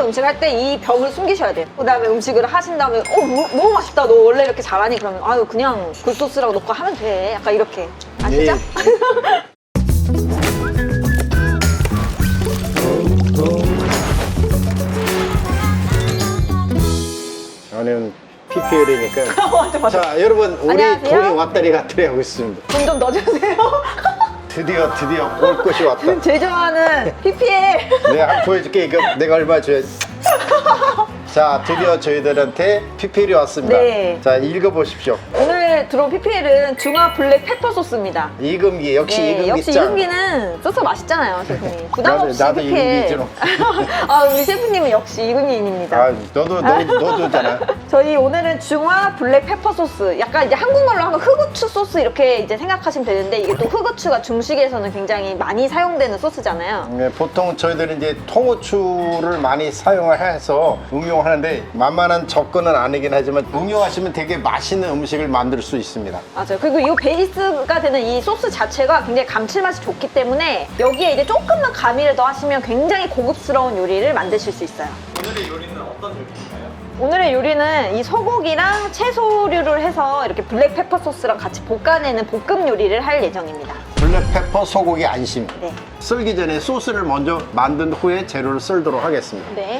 집에서 음식 할 때 이 벽을 숨기셔야 돼요. 그다음에 음식을 하신 다음에 너무 맛있다. 너 원래 이렇게 잘하니? 그러면 아유 그냥 굴소스라고 넣고 하면 돼. 약간 이렇게. 아시죠? 저는 PPL이니까. 맞아. 자, 여러분, 우리 안녕하세요. 돈이 왔다리 갔다리 하고 있습니다. 돈 좀 넣어주세요. 드디어 올 것이 왔다. 제일 좋아하는 PPL. 내가 한번 보여줄게. 이거 내가 얼마 줘야지. 자, 드디어 저희들한테 PPL이 왔습니다. 네. 자, 읽어보십시오. 오늘 들어온 PPL은 중화 블랙 페퍼 소스입니다. 이금기, 역시 네, 이금기 역시 짱. 이금기는 소스 맛있잖아요, 셰프님. 부담 없이 나도 PPL. 이금기죠. 아, 우리 셰프님은 역시 이금기인입니다. 아, 너도잖아. 저희 오늘은 중화 블랙 페퍼 소스. 약간 이제 한국말로 하면 흑우추 소스 이렇게 이제 생각하시면 되는데 이게 또 흑우추가 중식에서는 굉장히 많이 사용되는 소스잖아요. 네, 보통 저희들은 이제 통후추를 많이 사용을 해서 응용하는데 만만한 접근은 아니긴 하지만 응용하시면 되게 맛있는 음식을 만들 수 있습니다. 맞아요. 그리고 이 베이스가 되는 이 소스 자체가 굉장히 감칠맛이 좋기 때문에 여기에 이제 조금만 가미를 더 하시면 굉장히 고급스러운 요리를 만드실 수 있어요. 오늘의 요리는 어떤 요리인가요? 오늘의 요리는 이 소고기랑 채소류를 해서 이렇게 블랙페퍼 소스랑 같이 볶아내는 볶음 요리를 할 예정입니다. 블랙페퍼 소고기 안심. 네. 썰기 전에 소스를 먼저 만든 후에 재료를 썰도록 하겠습니다. 네.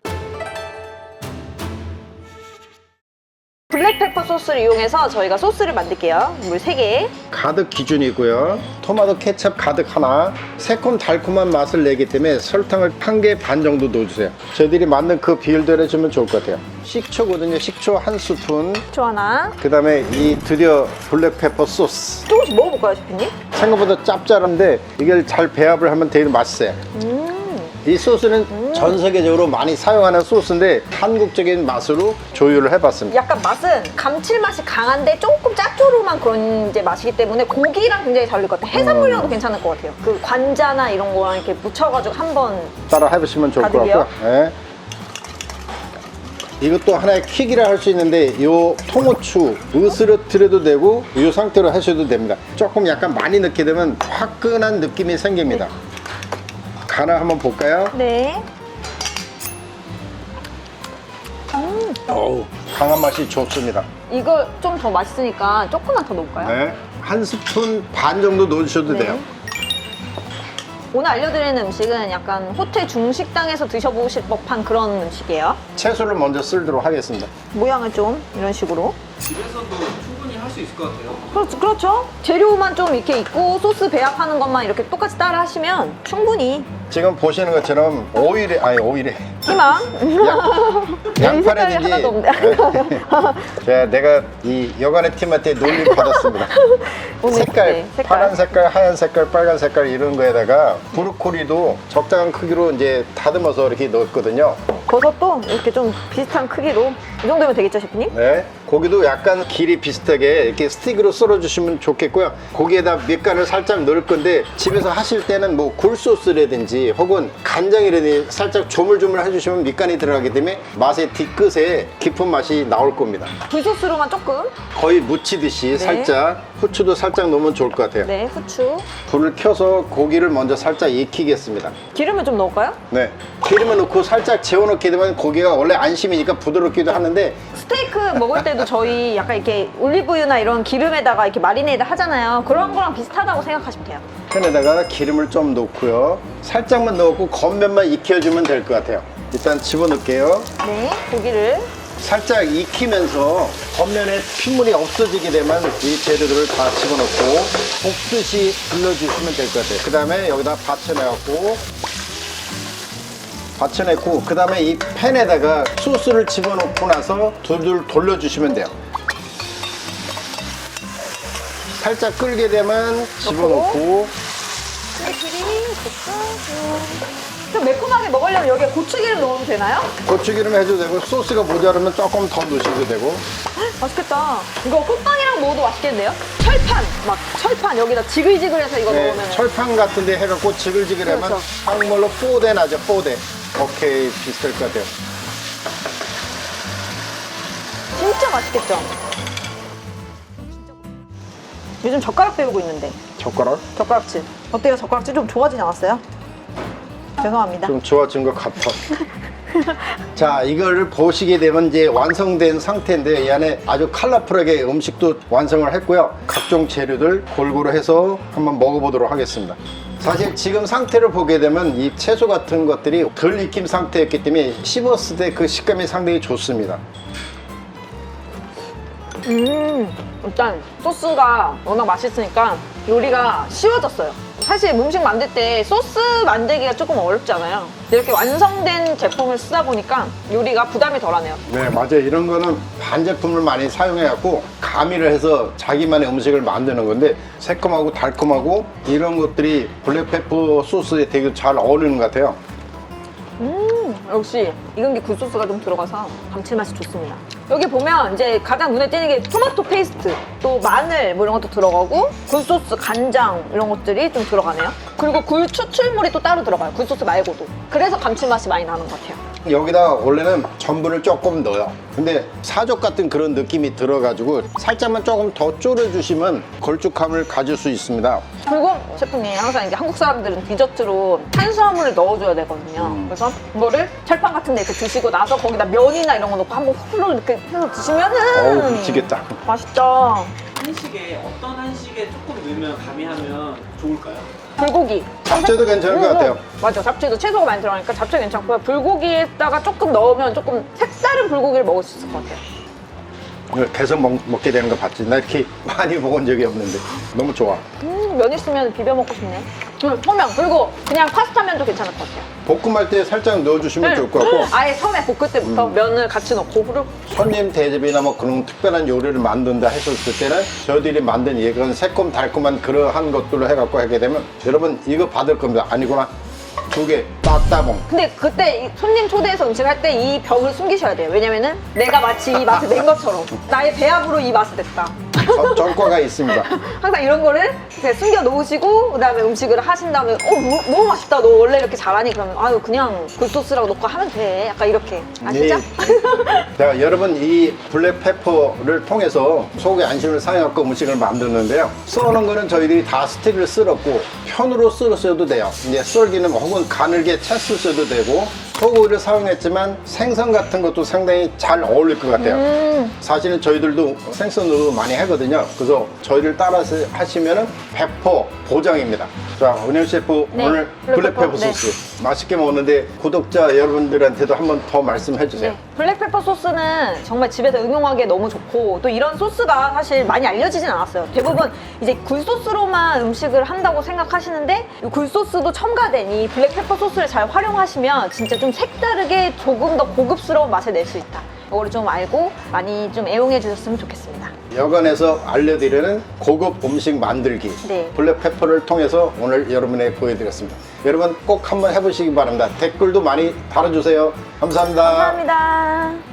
블랙페퍼 소스를 이용해서 저희가 소스를 만들게요. 물 3개. 가득 기준이고요. 토마토 케첩 가득 하나. 새콤달콤한 맛을 내기 때문에 설탕을 1개 반 정도 넣어주세요. 저희들이 만든 그 비율대로 해주면 좋을 것 같아요. 식초거든요. 식초 1스푼. 초 하나. 그 다음에 이 드디어 블랙페퍼 소스. 조금씩 먹어볼까요, 셰프님? 생각보다 짭짤한데 이걸 잘 배합을 하면 되게 맛있어요. 이 소스는 전 세계적으로 많이 사용하는 소스인데 한국적인 맛으로 조율을 해봤습니다. 약간 맛은 감칠맛이 강한데 조금 짭조름한 그런 이제 맛이기 때문에 고기랑 굉장히 잘 어울릴 것 같아요. 해산물이랑도 괜찮을 것 같아요. 그 관자나 이런 거랑 이렇게 묻혀가지고 한번 따라 해보시면 좋을 것 가득이요? 같고요. 네. 이것도 하나의 킥이라 할 수 있는데 이 통후추 으스러뜨려도 되고 이 상태로 하셔도 됩니다. 조금 약간 많이 넣게 되면 화끈한 느낌이 생깁니다. 간을 한번 볼까요? 네. 어우, 강한 맛이 좋습니다. 이거 좀 더 맛있으니까 조금만 더 넣을까요? 네. 1스푼 반 정도 넣으셔도 네. 돼요. 오늘 알려드리는 음식은 약간 호텔 중식당에서 드셔보실 법한 그런 음식이에요. 채소를 먼저 썰도록 하겠습니다. 모양을 좀 이런 식으로. 집에서도 충분히 할 수 있을 것 같아요. 그렇죠. 재료만 좀 이렇게 있고 소스 배합하는 것만 이렇게 똑같이 따라 하시면 충분히 지금 보시는 것처럼 오일에 희망. 양파라든지 하나도 없네. 자, 내가 이 여관의 팀한테 놀림 받았습니다. 오늘, 색깔, 네, 색깔. 파란 색깔, 하얀 색깔, 빨간 색깔 이런 거에다가 브로콜리도 적당한 크기로 이제 다듬어서 이렇게 넣었거든요. 버섯도 이렇게 좀 비슷한 크기로 이 정도면 되겠죠, 셰프님? 네. 고기도 약간 길이 비슷하게 이렇게 스틱으로 썰어주시면 좋겠고요. 고기에다 밑간을 살짝 넣을 건데 집에서 하실 때는 뭐 굴소스라든지 혹은 간장이라든지 살짝 조물조물 해주시면 밑간이 들어가기 때문에 맛의 뒤끝에 깊은 맛이 나올 겁니다. 굴소스로만 조금. 거의 무치듯이 살짝 후추도 살짝 넣으면 좋을 것 같아요. 네, 후추. 불을 켜서 고기를 먼저 살짝 익히겠습니다. 기름을 좀 넣을까요? 네. 기름을 넣고 살짝 재워놓게 되면 고기가 원래 안심이니까 부드럽기도 하는데 스테이크 먹을 때도 저희 약간 이렇게 올리브유나 이런 기름에다가 이렇게 마리네이드 하잖아요. 그런 거랑 비슷하다고 생각하시면 돼요. 팬에다가 기름을 좀 넣고요. 살짝만 넣고 겉면만 익혀주면 될 것 같아요. 일단 집어넣을게요. 네, 고기를. 살짝 익히면서 겉면에 핏물이 없어지게 되면 이 재료들을 다 집어넣고 볶듯이 불려주시면 될 것 같아요. 그 다음에 여기다 받쳐내고 그 다음에 이 팬에다가 소스를 집어넣고 나서 둘둘 돌려주시면 돼요. 살짝 끓게 되면 집어넣고 좀 매콤하게 먹으려면 여기에 고추기름 넣어도 되나요? 고추기름 해도 되고 소스가 모자르면 조금 더 넣으셔도 되고. 맛있겠다. 이거 호빵이랑 먹어도 맛있겠는데요? 철판 여기다 지글지글해서 이거 네, 넣으면 철판 같은 데 해갖고 지글지글하면 그렇죠. 한국말로 뽀대 나죠. 뽀대. 오케이, 비슷할 것 같아요. 진짜 맛있겠죠? 요즘 젓가락 배우고 있는데 젓가락? 젓가락질 어때요? 젓가락질 좀 좋아지지 않았어요? 죄송합니다. 좀 좋아진 것 같아. 자, 이걸 보시게 되면 이제 완성된 상태인데 이 안에 아주 컬러풀하게 음식도 완성을 했고요. 각종 재료들 골고루 해서 한번 먹어보도록 하겠습니다. 사실 지금 상태를 보게 되면 이 채소 같은 것들이 덜 익힌 상태였기 때문에 씹었을 때 그 식감이 상당히 좋습니다. 일단 소스가 워낙 맛있으니까 요리가 쉬워졌어요. 사실 음식 만들 때 소스 만들기가 조금 어렵잖아요. 이렇게 완성된 제품을 쓰다 보니까 요리가 부담이 덜하네요. 네, 맞아요. 이런 거는 반제품을 많이 사용해갖고 가미를 해서 자기만의 음식을 만드는 건데 새콤하고 달콤하고 이런 것들이 블랙페퍼 소스에 되게 잘 어울리는 것 같아요. 역시 익은 게 굴소스가 좀 들어가서 감칠맛이 좋습니다. 여기 보면 이제 가장 눈에 띄는 게 토마토 페이스트, 또 마늘 뭐 이런 것도 들어가고 굴소스, 간장 이런 것들이 좀 들어가네요. 그리고 굴 추출물이 또 따로 들어가요. 굴소스 말고도. 그래서 감칠맛이 많이 나는 것 같아요. 여기다 원래는 전분을 조금 넣어요. 근데 사족 같은 그런 느낌이 들어가지고 살짝만 조금 더 졸여주시면 걸쭉함을 가질 수 있습니다. 그리고 셰프님 항상 이제 한국 사람들은 디저트로 탄수화물을 넣어줘야 되거든요. 그래서 이거를 철판 같은 데 이렇게 드시고 나서 거기다 면이나 이런 거 넣고 한번 후루룩 이렇게 해서 드시면은 어우, 미치겠다. 맛있죠. 한식에 어떤 한식에 조금 넣으면 가미하면 좋을까요? 불고기. 잡채도 괜찮은 것 같아요. 맞아. 잡채도 채소가 많이 들어가니까 잡채 괜찮고요. 불고기에다가 조금 넣으면 조금 색다른 불고기를 먹을 수 있을 것 같아요. 이걸 계속 먹게 되는 거 봤지? 나 이렇게 많이 먹은 적이 없는데 너무 좋아. 면 있으면 비벼 먹고 싶네. 소면. 그리고 그냥 파스타면도 괜찮을 것 같아요. 볶음할 때 살짝 넣어주시면 좋을 것 같고 아예 처음에 볶을 때부터 면을 같이 넣고 후루룩. 손님 대접이나 뭐 그런 특별한 요리를 만든다 했었을 때는 저희들이 만든 이건 새콤 달콤한 그러한 것들로 해갖고 하게 되면 여러분 이거 받을 겁니다. 아니구나. 2개 따따봉. 근데 그때 이 손님 초대해서 음식할 때 이 벽을 숨기셔야 돼요. 왜냐면은 내가 마치 이 맛을 낸 것처럼 나의 배합으로 이 맛을 냈다. 전과가 있습니다. 항상 이런 거를 이렇게 숨겨 놓으시고 그다음에 음식을 하신 다음에 너무 맛있다. 너 원래 이렇게 잘하니? 그러면 아유 그냥 굴소스라고 넣고 하면 돼. 약간 이렇게. 아시죠? 자, 여러분 이 블랙페퍼를 통해서 속의 안심을 사용하고 음식을 만드는데요. 써는 거는 저희들이 다 스틱을 쓸었고 편으로 쓸었어도 돼요. 이제 썰기는 혹은 가늘게 채 쓰셔도 되고 소고기를 사용했지만 생선 같은 것도 상당히 잘 어울릴 것 같아요. 사실은 저희들도 생선으로 많이 하거든요. 그래서 저희를 따라서 하시면은 100% 보장입니다. 자, 은영 셰프 네, 오늘 블랙페퍼 소스 맛있게 먹는데 구독자 여러분들한테도 한번 더 말씀해 주세요. 네. 블랙페퍼 소스는 정말 집에서 응용하기에 너무 좋고 또 이런 소스가 사실 많이 알려지진 않았어요. 대부분 이제 굴소스로만 음식을 한다고 생각하시는데 이 굴소스도 첨가된 이 블랙페퍼 소스를 잘 활용하시면 진짜 좀 색다르게 조금 더 고급스러운 맛을 낼 수 있다. 이거를 좀 알고 많이 좀 애용해 주셨으면 좋겠습니다. 여관에서 알려드리는 고급 음식 만들기 네. 블랙페퍼를 통해서 오늘 여러분에게 보여드렸습니다. 여러분 꼭 한번 해보시기 바랍니다. 댓글도 많이 달아주세요. 감사합니다. 감사합니다.